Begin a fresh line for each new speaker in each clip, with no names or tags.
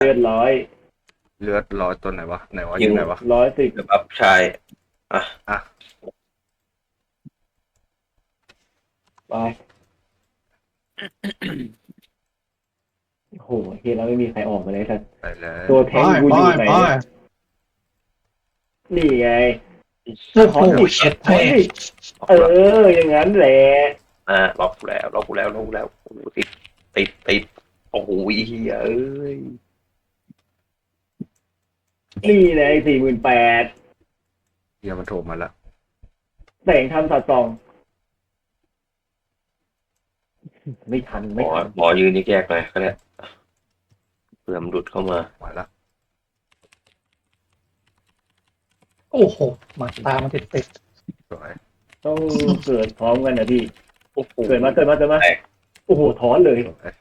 เลือดร้อย
เลือดร้อยตัวไหนวะไหนวะ
ยิ
อง ยู่ไหนวะ
110
เดี๋ยวอัพชายอ่ะ
อ่ะ
ไปโอ้โหเฮียแล้วไม่มีใครออกมาเลยแต่
ไปเลย
ตัวแทงกูอยู่ไหนเนี่ยนี่ไง
โอ้โหเช็ด
ถอยดิอย่างนั้นแหละ
ล็อกแล้วโอ้โหติดโอ้โหเฮียเอ้ย
นี่ไง48,000
เฮียมันโทรมาแล้ว
แสงทำสัดส่อง ไม่ทัน
หม
ไม่
อ
ทัน
หมอยืนนี่แยกหน่อยก็ได้เผื่อมันหลุดเข้ามา
มาแล้ว
โอ้โหมาตามันติด
สวย
ต้องเกิดพร้อมกันนะพี่
โอ้โห
เกิดมาโอ้โหถอนเลย
สวย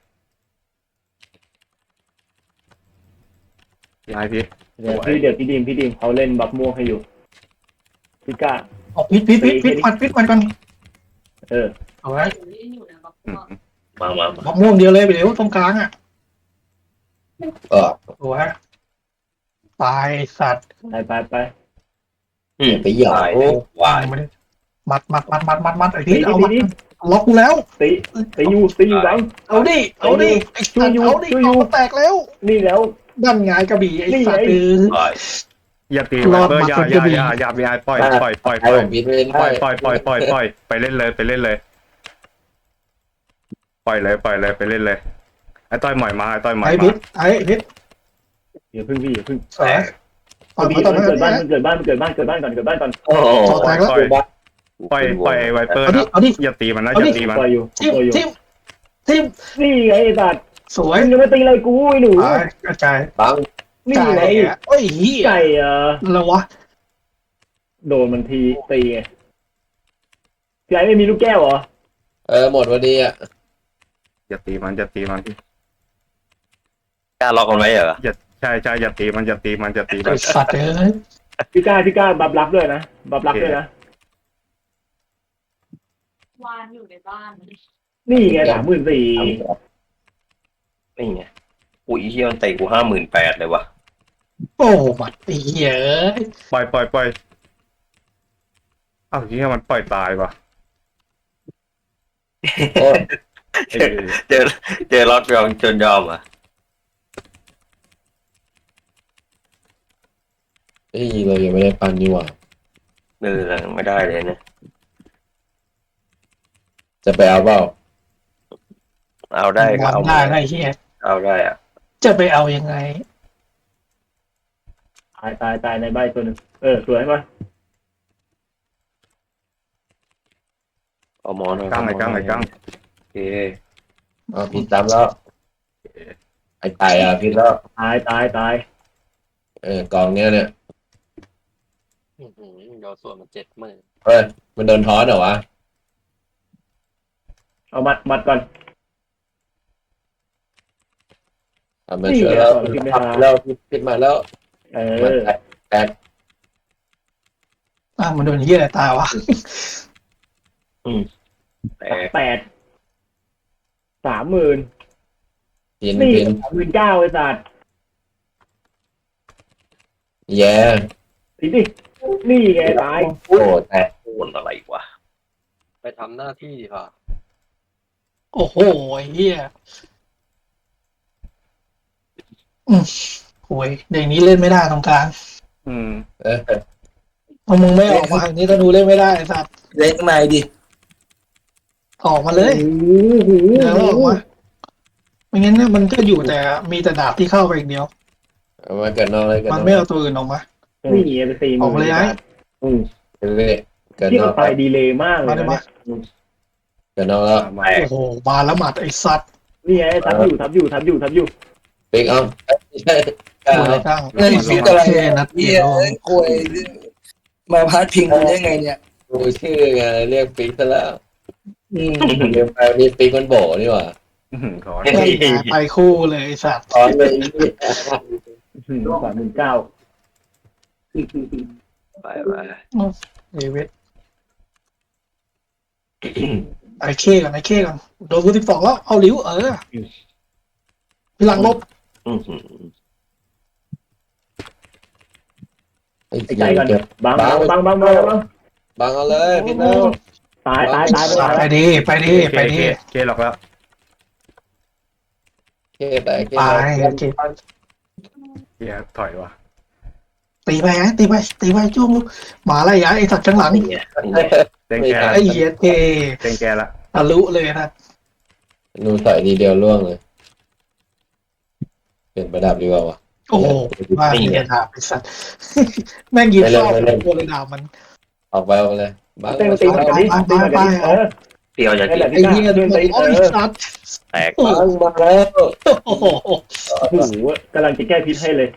พี่ไอพี่
เดี๋ยวพี่ดีมเขาเล่นบัฟม่วงให้อยู่พี่ก้า
ๆออกพิษมันก่อน
เออ
เอาไว้
อืม
มา
มะม่วงเดียวเลยไปเดี๋ยวตรงกลางอ่ะโอ้ยตายสัตว์
ไป
ไปหยายวาย
ไม่ได้มัดไอ้ที่เอามัดล็อกกูแล้ว
ตีอยู่บัง
เอาดิไอ้สัตว์เอาดิเอาแตกแล้ว
นี่แล้ว
ดันไงกระบี่ไอ้สัตว์
วาย
อย่าตี
ร
ไว
อด
เปอร์
มา
อย่า
คน
อ
จะ
ย่า
มี
อย่าพี่ไอปล่อย
ไอ้ผมบิดไม่เล่น
ปล่อยไปเล่นเลยไปเล่นเลยปล่อยเลยไปเล่นเลยไอ้ต้อยหมอยมาไอ้ต้อยหมอย
ไอ้
มา
พิษไอ้พิษ
อย่าพึ่งพี่อย่าพึ่ง
สวยต่อ
พี่
มาต่อ
มัน
มา
เกิดบ้านก่อนเกิดบ้านก่อน
โอ้โห
ต่อแตกแล้ว
ปล่อยไวเปอร์
เอาดิ
นะ
เอาดิ
อย่าตีมันนะ
เอา
อ
ดิ
ย่าตีมัน
ปล่อยอยู่
ทิม
นี่ไงไอ้สัตว์
สวย
มึงจะมาตีอะไรกูไอ้หนู
กระจาย
บัง
นี่ไง
โอ้ยเหี้ย
ไก่
อะไรวะ
โดนมันทีตีไงพี่ไอ้ไม่มีลูกแก้วเหรอ
หมดวันดีอ่ะ
อย่าตีมันพี่
กล้าล็อกมันไว้เหรอ
ใช่อย่าตีมัน
ไอ้สัตว์เอ้ย
พี่ก้าบับรับด้วยนะบับรับด้วยนะ
วานอยู่ในบ้าน
นี่ไง34,000
นี่ไงอุ้ยเฮียมันเตะกู58,000เลยวะ
โอ้มัดไอ้เหี้ย
ปล่อยอ้าวที่มันปล่อยตายปะ
โอ้ย
เจอรอดยองจนยอมอ่ะ
เรายังไม่ได้ปันนี่หว่า
ไม่ได้เลยนะ
จะไปเอาเปล่า
เอาได้ก็เอา
ได้ไอ้เหี้ย
เอาได้อ่ะ
จะไปเอายังไง
ตายในใบตัวหนึงสวยป่ะ
เอาหมอหน่อย
กั้ง
โอเค
เอาผิดตามแล้วไอ้ตายพิดแล้ว
ตาย
กองเนี้ยเนี่ย
โดนส่วนมัน70,000
เฮ้ยมันโดนท้อนเหรอวะ
เอามัดก่อน
มาช่วยแล้วแล้วพิดมาแล้ว มันแตก
มันโดนเหี้ยอะไรตายวะ
แต่
30,000
พิน
นี่39,000ไอ้สัตว์
แย่
ตีดินี่ไงตาย
โอ้แตก
โอนอะไรวะ
ไปทำหน้าที่ค่ะ
โอ้โหไอ้เหี้ยโอ้ยเด็กนี้เล่นไม่ได้ตรงกลาง พอมึงไม่ออกมาอย่างนี้ธนูเล่นไม่ได้ไอ้สัตว์
เล็กในดิ
ออกมาเลยเดี๋ยวออกมาไม่งั้นเนี่ยมันก็อยู่แต่มีแต่ดาบที่เข้าไปอย่างเดียว
เอามาเกิดนอกเลยเกิด
มัน
นอก
ไม่เอาตัวอื่นออกมา
นี่ไงไป40,000
ออกมาเลยไอ้
เรื่อยเกิด
ที่
นอ
มัน
ก
ไปดีเลยมากเลยนะ
เกิดนอกแล้ว
มา
โอ้โหมาแล้วหมัดไอ้สัตว์
นี่ไงทับอยู่
ปิ๊กเอาใช่
ตัวอะไรก้าง
เฮ้ยฟิตอะไร
เท่นัดเดี
เฮี
ย
ยว เอ้ยคุยมาพาดพิงกันได้ไงเนี่ย
ดูชื่อไงเรียกปิ๊กซะแล้ว
อืม
เรียกไปนี่ปิ๊กมันโบนี่หว่า
ถอน
ไปคู่เลยไอ้สัตว์
ตอนเลย
39,000
ไป
เอเวทไอ้เข้ก่อนโดนกู12แล้วเอาลิ้วพี่หลังลบ
ไอ้
ไอ้
ให
ใจ
ญ่
ก่อน
เก็บ
บังบัง
บังเอาเลยพี่น้อง
ตายตายตาย
ไปดีไปดีไปดี
เคหลอกแล้ว
เคแต่เค
ไปเก็บ
เฮียถอยว่ะ
ตีไปไงตีไปจุ้งหมาอะไรยะไอ้สัตว์ข้างหลัง
เต็งแก
ไอ้เหี้ยเท
เต็งแกละ
ทะลุเลยนะ
หนูใส่ทีเดียวล่วงเลยเปลี่ยนประดับดีกว่าวะ
โอ้โหว่ามีกระดาบไอ้สัตว์แม่งยิงเข้าตัวเลยดาบมัน
ออกไปเลยบัง
เต้นตีหน่อยดิตีหน่อยดิ
เตียวอย่าง
นั่นแหละ
ไอ้
พี่
เหี้ย
เดิน
โอ้
ตี
ยสัตว์
แตก
บังมาแล้ว
โอ้โห
โอ้โหกำลังจะแก้พิษให้เลย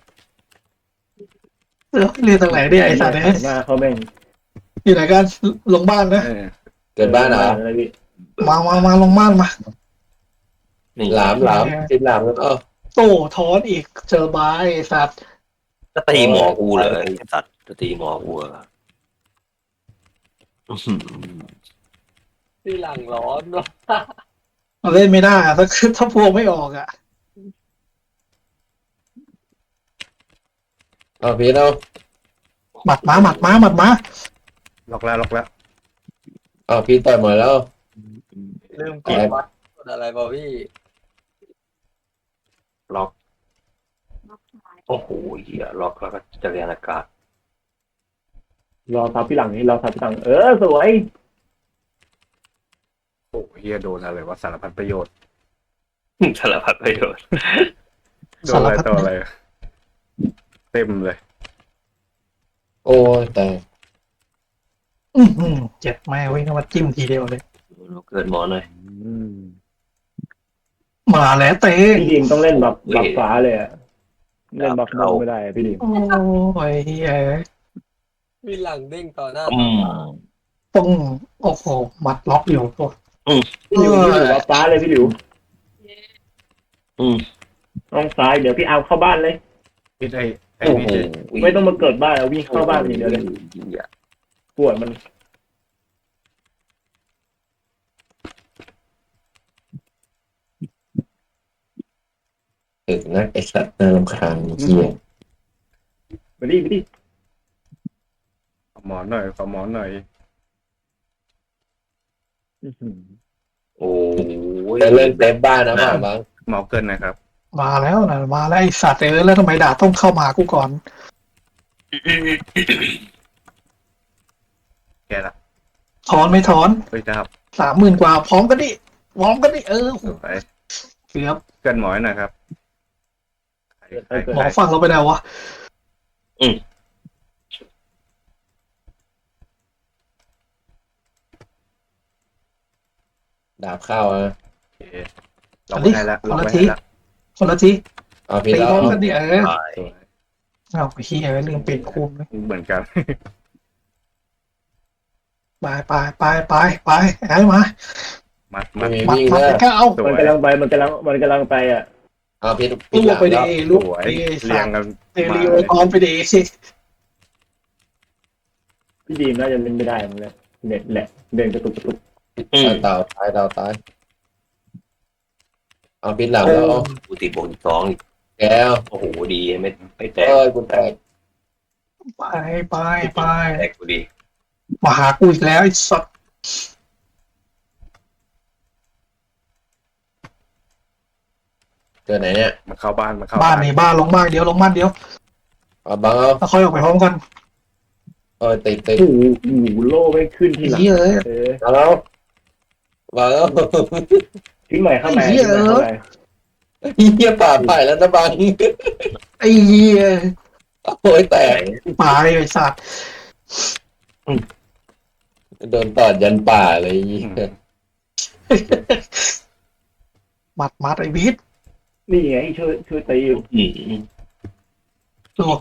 เรียนตรงไหนเนี่ยไอ้สัตว์เนี่ย
หน้าเขาแม่ง
อยู่ไหนกันลงบ้านนะ
เกิดบ้านเหรอ
มาลงบ้านมา
นี่
หลามติดหลามแล้วก็
โต้ถอนอีกเจอบายไอ้สัตว์
จะตีหมอกูเลยสัตว์จะตีหมอกูเหรอ
ที่หลังร้อนเนาะ
เล่นไม่ได้อะถ้าพวกไม่ออกอ่ะ
เอาพี่เอา
หมัดมา
ล็อกแล้วล็อกแล้ว
เอาพี่ต่อยหมดแล้ว
ลืมกดวัดกดอะไรเปล่าพี่
ล็อกโอ้โหเหี้ยล็อกแล้วก็จะเรียนอากาศ
รอทับพี่หลังนี่รอทับพี่หลังสวย
โอ้เฮียโดนอะไรวะสารพัดประโยชน์
สารพัดประโยชน์
โดนอะไรต่ออะไรเต็มเลย
โอ้ยแต่
เจ็บแม่เว้ยมาจิ้มทีเดียวเลย
เกิดหมอหน่อย
มาแล้วเต้
พี่ดีมต้องเล่นแบบฟ้าเลยอะเล่นบัฟโนไม่ได้พี่ดีม
โอ้ยเฮ้ย
มีหลังเด้งต่อหน้า
ต้องโอ้โหมัดล็อกอยู่ตัว
พี่หลิวบัฟฟ้าเลยพี่หลิว
อืม
น้องซ้ายเดี๋ยวพี่เอาเข้าบ้านเลย
พี่ไอ้
โอ้
นี่
โห
ไม่ต้องมาเกิดบ้านวิ่งเข้าบ้านอย่างเดียวเลยปวดมัน
ถึงนะไอสัตว์น่ารำคาญเหี้ย
มาดิมาดิ
ขอหมอนหน่อยขอหมอนหน่อย
โอ้ย
จะเล่นเซฟบ้านนะบ้างบ้าง
หมอเกินนะครับ
มาแล้วนะมาแล้วไอสัตว์แล้วทำไมด่าต้องเข้ามากูก่อน
แกละ
ถอนไม่ถอน
เฮ้ยครับ
30,000 กว่าพร้อมกันดิ
ไป
เกือบ
เกินหมอหน่อยครับ
หมอฟังเราไปแล้ววะ
ดาบเข้าอ่ะ
ล็อกไม่ได้แล้วล็อกไม่ได้แล้ว
คนละที
เอาพี่
ตี
แล้ว
พร้อมกันดิ
สวย
เอาไปขี้อะไรลืมปิดคุมเลย
เหมือนกัน
ไปไอ้มา
มัด
ไม่มี
มัด
วิ่ง
มัด
แล้ว
ก็เอา
สว
มัน
ย
กำลังไปมันกำลังไปอ่ะ
เอาพี่
ลูก
หลัง
ไปดิ
แล้ว
ลูก
สวย
ไป
เรียงกัน
เตลีโอพร้อมไปดิ
พี่ดีมน่าจะเล่นไม่ได้มันเลยเน็ตแหละเดินกระตุก
ดาวตายเอาพี่หลังแล้ว
กูตีบวก2อีก
แก้ว
โอ้โหดีไม่แตก
เอ้ยกูแตก
ไป
แตกกูดี
มาหากูอีกแล้วไอ้สัตว์
เกิดไหนเนี่ย
มันเข้าบ้านมันเข้า
บ้านนี่บ้านลงบ้านเดียวลงบ้านเดียว
เอาบังเอา
แล้วค่อยออกไปพร้อมกัน
ติด
โอ้โหโล่ไม่ขึ้นที่หลัง
เหี้ยเอ้ย
มาแล้วมาแล้ว
ทิ้งใหม่เข้าไปทิ้งใหม่เข้าไป
เหี้ยป่าไปแล้วนะบัง
ไอ้เหี้ย
โอ้ยแตก
ไปไอ้สัตว์
โดนตอดยันป่าเลย
มัดไอ้บีท
นี่ไงช่วยตีอยู่
ลูก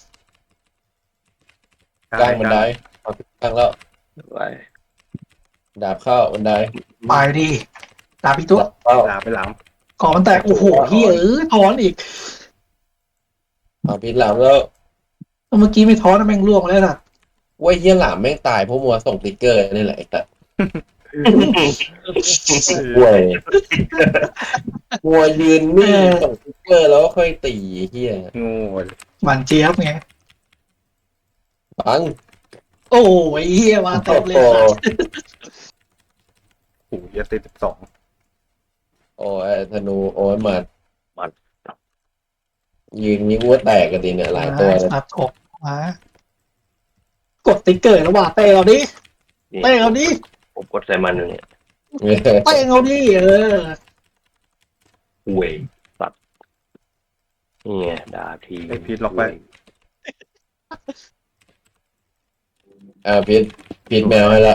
กลางบันไดเอากลางแล้ว
ไป
ดาบเข้าบันได
ไปดิดาบอีกตัว
เข้า
ลาไปหลัง
ก่อนมันแตกโอ้โหเหี้ยถอนอีก
เอาพี่หลังแล้ว
เมื่อกี้ไม่ถอนนะแม่งล่วงแล้วน่ะ
ว่าเหี้ยหลามแม่งตายเพราะมัวส่งติ๊กเกอร์นี่แหละไอ้แต่ห่วยมัวยืนนิ่งส่งติ๊กเกอร์แล้วก็ค่อยตีเหี้ย
โง่
หวานเจี๊ยบไง
บัง
โอ้ยเฮียมาเต็มเลยสัตว์
โอ้โหเหี้ยติด12
โอ้ยธนูโอ้ยหมัดยืนยิงวัวแตกกันดีเนี่ยหลายตัวเลย
สัตว์กบมากดติ๊กเกอร์แล้วว่าเตะเอาดิ
นี่
เตะเอาดิ
ผมกดใส่มันอยู่เนี่ย
เตะเอาดิอ
เวยสัตว์นี่ไงดาที
ไอ้พีทล็อกไว้
พิษแมวให้แล้ว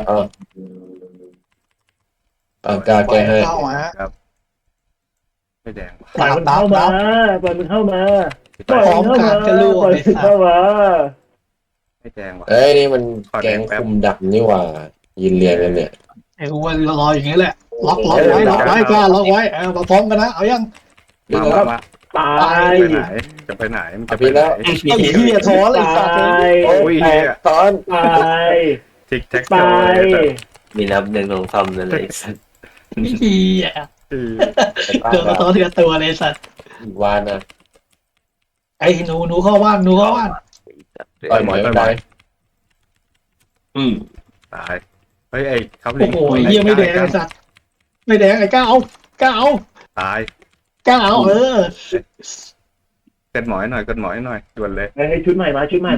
กล้า
ปล่
แก้
อย
ให้
เข้ามา
ครับไม่แดงว่ะ
ปล่อยมันเข้ามาปล่อยมันเข้ามาปล่อย
พร้อ
มั
ม
นเข้า
การ
มา
จะรู้
ปล่อย
ไอ้
มัน
สัต
เข้า
ว์
มา
ไม่แดงว่ะ
เอ้ยนี่มันแกงคุมดักนี่หว่ายืนเรียงกันเนี่ย
ไอ้กูว่ารออย่างนี้แหละล็อกไว้กล้าล็อกไว้มาพร้อมกันนะเอายัง
มา
ตาย
ไปไหนจะไปไหนมันจะไปไหน
ไอ้เหี้ยท้อเลย
ตา
สัตว์
ย
โอ้ยเหี้ย
ตอน
ตาย
ทิกแท็ก
ตาย
มีนับหนึ่งสองสามนั่นเลย
นี่เหี้ยเจอตัวเถื่อตัวเลยสัตว์
วานนะ
ไอ้หนูเข้าบ้านหนูเข้าบ้าน
ต่อยหมอยไป
อืม
ตายเฮ้ยไอ้ครับ
โอ้โหเหี้ยไม่แดงไอ้สัตว์ไม่แดงไอ้ก้าเอา
ตาย
ก้าเอา
กันหมอยหน่อยกันหมอยหน่อยด่วนเลย
เฮ้ยชุดใหม่มาเห็นเปล่า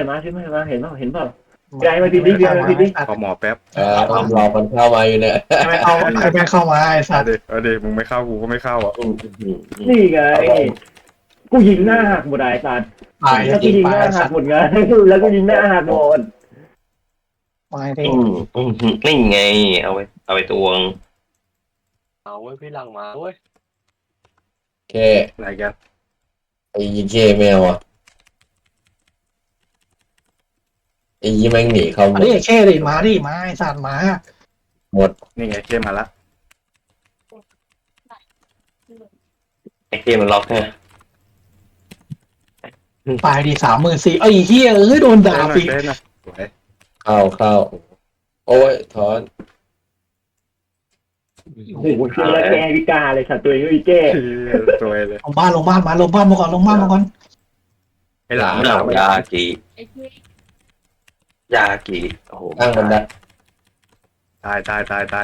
ยายมาทีนี้ยายมาทีนี้
ขอหมอแป๊บ
ต้องรอคนเข้ามาอยู่เนี่ย
ไอ้แม่เข้ามาไอ้สั
เอา
ตว์
ดิเอาดิมึงไม่เข้ากูก็ไม่เข้าอ่ะ
นี่ไงกูยิงหน้าหักหมดไอ้สัตว์
ตาย
แล้ว
จ
กู
ริง
ยิง
ไป
หน้า
ไอ้
หั
สั
ก
ตว์
หมดไงแล้วกูยิงหน้าหักหมด
มาดิ
นี่ไง เอาไปตวง
เอาไว้พี่หลังมาเว้ย
แค่
อะไรกัน
ไอ้ยีเคแมวอ่ะไอ้ยีแม่งหนีเข้าหม
อั
ด
นนี้แค่ดิมาดิมาไอ้สัตว์มา
นี่ไงเข้มมาละ
ไอ้เกมมันล็อกไง
ตายดิ34,000ไอ้เหี้ยโดนด่า
เต้นหน่อ
ปี
ยเต้นหน่อยสวย
เข้าโอ้ยถอน
โอ้โหคือแล้วแกวิกาเลยสัตว์ตัวเองวิแก้
สวยเลย
ลงบ้านมาก่อน
ไอ้หลาม
ยากิ
ไอ้ที่
ยากิโอ้โห
ตั้งบันได
ตาย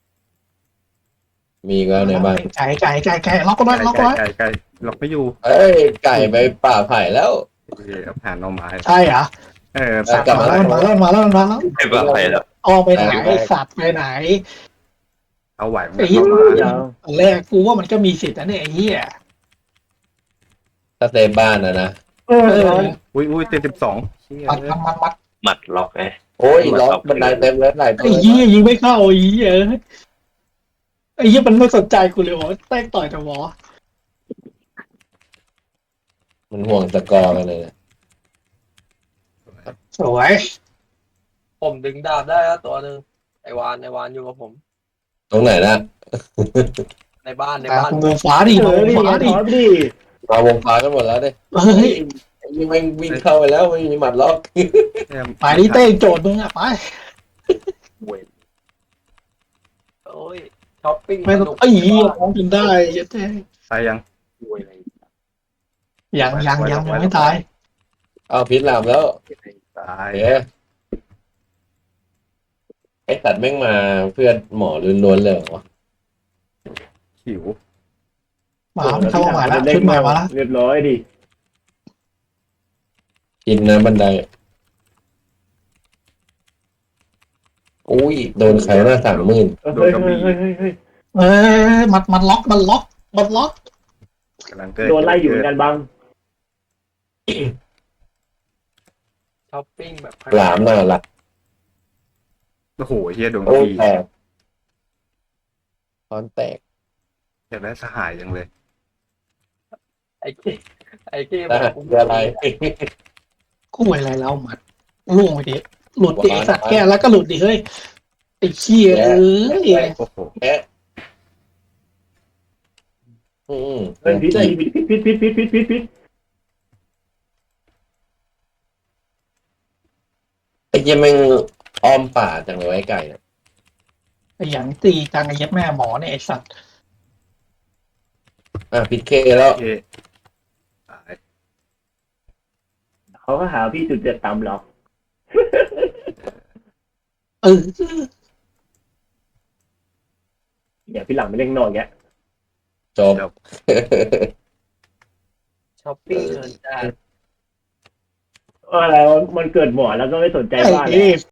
มีก็ในบ้าน
ไก่ล็อกก็ได้ล็อกไว้
ไก่ล็อกไม่อยู่
เอ้ยไก่ไปป่าไผ่แล้ว
โอเคเอาผ่านเอาไม้
ใช่เหรอ
กลับมาแล้ว
มาแล้ว
ไม่บ้าไปแล้ว
ออกไปไหนไอ้สัตว์ไปไหน
เอาไหวมึง
ไอ้เหี้ย
เข้ามา
ยาว
ตอนแรกกูว่ามันก็มีสิทธิ์นะเนี่ยไอ้เหี้ย
ถ้าเซฟบ้านนะ
อุ้ยเต็ม12เชี่ย
มัด
หมัดล็อกไง
โอ้ยล็อกบันไดเต็มเลยหลายตั
ไอ้
ว
เหี้ยยิงไม่เข้าไอ้เหี้ยมันไม่สนใจกูเลยว่าแตกต่อยแต่หมอ
มันห่วงสกอร์กันเลย
สวย
ผมดึงดาบได้แล้วตัวหนึ่งไอวานอยู่กับผม
ตรงไหนนะ
ในบ้าน
วงฟ้าดิ
เอ
ว
อง ดิ
ฟ้าดิ
ถอนดิ
มาวงฟ้ากันหมดแล้วดิ
เฮ้ย
ยิงแม่งวิ่งเข้าไปแล้วไม่มีหมัดล็อก
ไปดิเต้โจทย์มึงอะไป
โอ้ยช้อปปิ้ง
ไม่ต้องไอ้เหี้ยร้องจนได้เต้
ตายยัง
ยังไม่ตาย
เอาพิษลามแล้ว
ตาย
เดี๋ยวไอ้สัตว์แม่งมาเพื่อนหมอล้วนๆเลยเหรอวะ
หิว
มาเข้ามาแล้วชุดใหม่มาแล้ว
เรียบร้อยดิ
กินนะบันไดอุ้ยโดนใครหน้า30,000
เฮ้ย
มันล็อก
กำลังเกิด
โดนไล่อยู่เหมือนกันบัง
ช้อปปิ้งแบบ
หลามน่ารัก
โอ้โหเฮียดวง
โอ้ย
ดี
แตกตอนแตก
อยากได้สหายยังเลย
ไอเกม
นะคืออะไร
กูอะไรแล้วมัดล่วงไปดิหลุดดิไอ้สัตว์แก้แล้วก็หลุดดิเฮ้ยไอ้เชี่ย
โอ้โห
แอะ
เฮ้ยพิษพิษ
ไอ้เหี้ยังแม่งอ้อมป่าจังเลยไอ้ไก่เนี่ย
ไอ้หยังตีจังไอ้เย็ดแม่หมอเนี่ยไอ้สัตว์
พิษเคแล้ว
โอเคตาย
เขาก็หาพี่จุดเจ็ดต่ำหรอก
เออ
เดี๋ยวพี่หลังไปเล่นนอกแก
จบ
ช้อปปิ้งเงินจ้า
อะไรวะมันเกิดหมอแล้วก็ไม่สนใจ
ไอ้
บ้านเลย
เอ้